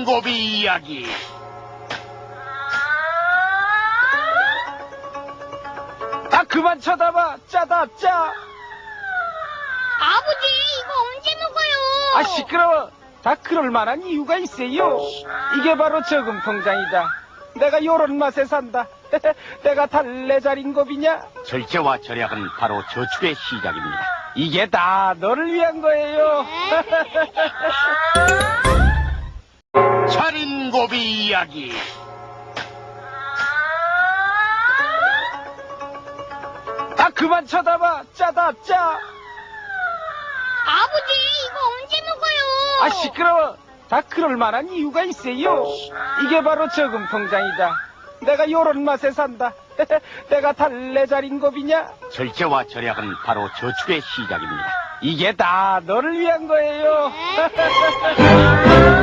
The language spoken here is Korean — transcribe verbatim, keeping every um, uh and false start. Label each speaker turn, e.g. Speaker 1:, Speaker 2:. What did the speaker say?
Speaker 1: 살인고비 이야기.
Speaker 2: 아, 그만 쳐다봐. 짜다, 짜.
Speaker 3: 아버지, 이거 언제 먹어요?
Speaker 2: 아, 시끄러워. 다 그럴 만한 이유가 있어요. 이게 바로 저금통장이다. 내가 요런 맛에 산다. 내가 달래자린 고비냐?
Speaker 1: 절제와 절약은 바로 저축의 시작입니다.
Speaker 2: 이게 다 너를 위한 거예요.
Speaker 1: 살인고비 이야기.
Speaker 2: 아, 그만 쳐다봐. 짜다, 짜.
Speaker 3: 아버지, 이거 언제 먹어요?
Speaker 2: 아, 시끄러워. 다 그럴 만한 이유가 있어요. 이게 바로 저금통장이다. 내가 요런 맛에 산다. 내가 달래자린 고비냐?
Speaker 1: 절제와 절약은 바로 저축의 시작입니다.
Speaker 2: 이게 다 너를 위한 거예요.